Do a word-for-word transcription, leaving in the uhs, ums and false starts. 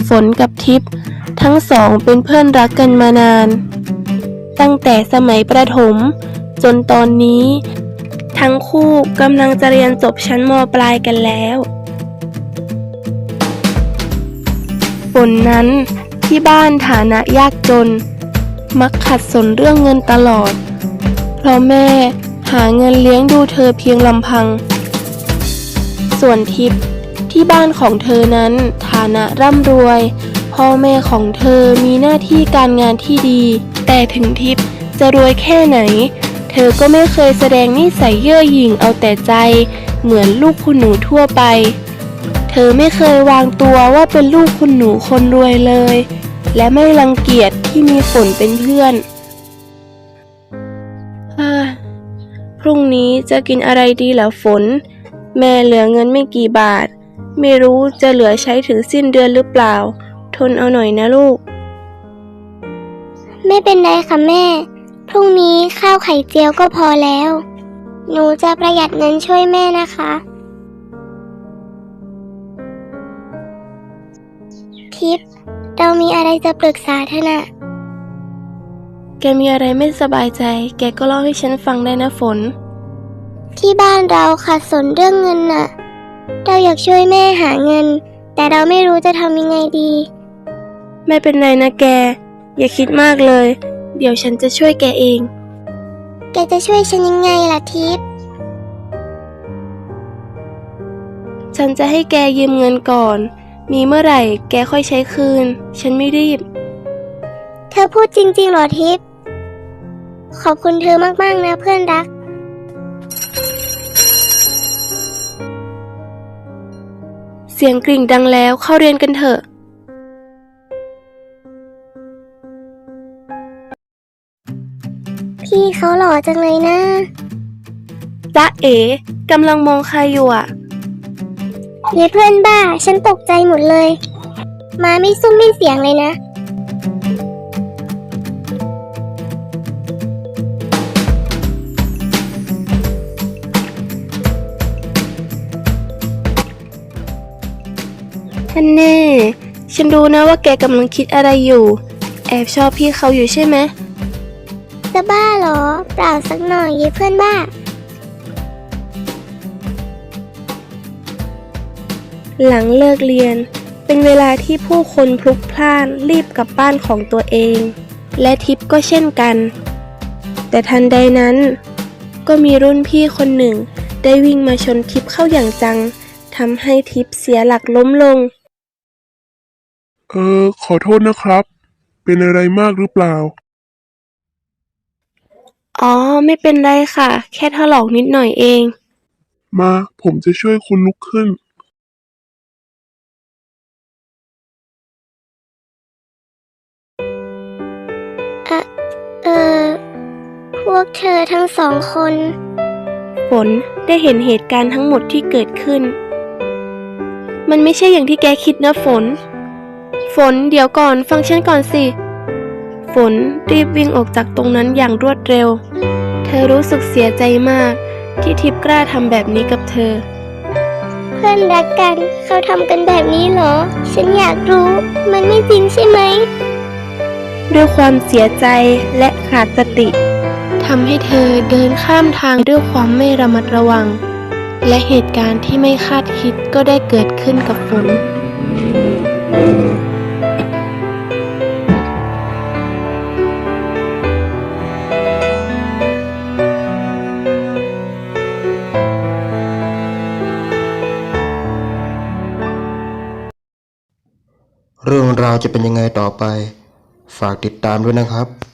ฝนกับทิพย์ทั้งสองเป็นเพื่อนรักกันมานานตั้งแต่สมัยประถมจนตอนนี้ทั้งคู่กำลังจะเรียนจบชั้นม.ปลายกันแล้วฝนนั้นที่บ้านฐานะยากจนมักขัดสนเรื่องเงินตลอดเพราะแม่หาเงินเลี้ยงดูเธอเพียงลำพังส่วนทิพย์ที่บ้านของเธอนั้นฐานะร่ำรวยพ่อแม่ของเธอมีหน้าที่การงานที่ดีแต่ถึงทิพย์จะรวยแค่ไหนเธอก็ไม่เคยแสดงนิสัยเย่อหยิ่งเอาแต่ใจเหมือนลูกคุณหนูทั่วไปเธอไม่เคยวางตัวว่าเป็นลูกคุณหนูคนรวยเลยและไม่รังเกียจที่มีฝนเป็นเพื่อนพรุ่งนี้จะกินอะไรดีล่ะฝนแม่เหลือเงินไม่กี่บาทไม่รู้จะเหลือใช้ถึงสิ้นเดือนหรือเปล่าทนเอาหน่อยนะลูกไม่เป็นไรค่ะแม่พรุ่งนี้ข้าวไข่เจียวก็พอแล้วหนูจะประหยัดเงินช่วยแม่นะคะทิพย์เรามีอะไรจะปรึกษาเธอน่ะแกมีอะไรไม่สบายใจแกก็เล่าให้ฉันฟังได้นะฝนที่บ้านเราขัดสนเรื่องเงินน่ะเราอยากช่วยแม่หาเงินแต่เราไม่รู้จะทำยังไงดีไม่เป็นไรนะแกอย่าคิดมากเลยเดี๋ยวฉันจะช่วยแกเองแกจะช่วยฉันยังไงล่ะทิพย์ฉันจะให้แกยืมเงินก่อนมีเมื่อไหร่แกค่อยใช้คืนฉันไม่รีบเธอพูดจริงๆหรอทิพย์ขอบคุณเธอมากๆนะเพื่อนรักเสียงกริ่งดังแล้วเข้าเรียนกันเถอะพี่เขาหล่อจังเลยนะจ๊ะเอ๋กำลังมองใครอยู่อ่ะเฮ้ยเพื่อนบ้าฉันตกใจหมดเลยมาไม่ซุ้มไม่เสียงเลยนะท่านแน่ฉันรู้นะว่าแกกำลังคิดอะไรอยู่แอบชอบพี่เขาอยู่ใช่ไหมจะบ้าเหรอเปล่าสักหน่อยเย้เพื่อนบ้าหลังเลิกเรียนเป็นเวลาที่ผู้คนพลุกพล่านรีบกลับบ้านของตัวเองและทิพย์ก็เช่นกันแต่ทันใดนั้นก็มีรุ่นพี่คนหนึ่งได้วิ่งมาชนทิพย์เข้าอย่างจังทำให้ทิพย์เสียหลักล้มลงเออขอโทษนะครับเป็นอะไรมากหรือเปล่าอ๋อไม่เป็นไรค่ะแค่ถลอกนิดหน่อยเองมาผมจะช่วยคุณลุกขึ้นเออเออพวกเธอทั้งสองคนฝนได้เห็นเหตุการณ์ทั้งหมดที่เกิดขึ้นมันไม่ใช่อย่างที่แกคิดนะฝนฝนเดี๋ยวก่อนฟังฉันก่อนสิฝนรีบวิ่งออกจากตรงนั้นอย่างรวดเร็วเธอรู้สึกเสียใจมากที่ทิพย์กล้าทำแบบนี้กับเธอเพื่อนรักกันเขาทำกันแบบนี้เหรอฉันอยากรู้มันไม่จริงใช่ไหมด้วยความเสียใจและขาดสติทำให้เธอเดินข้ามทางด้วยความไม่ระมัดระวังและเหตุการณ์ที่ไม่คาดคิดก็ได้เกิดขึ้นกับฝนเรื่องราวจะเป็นยังไงต่อไปฝากติดตามด้วยนะครับ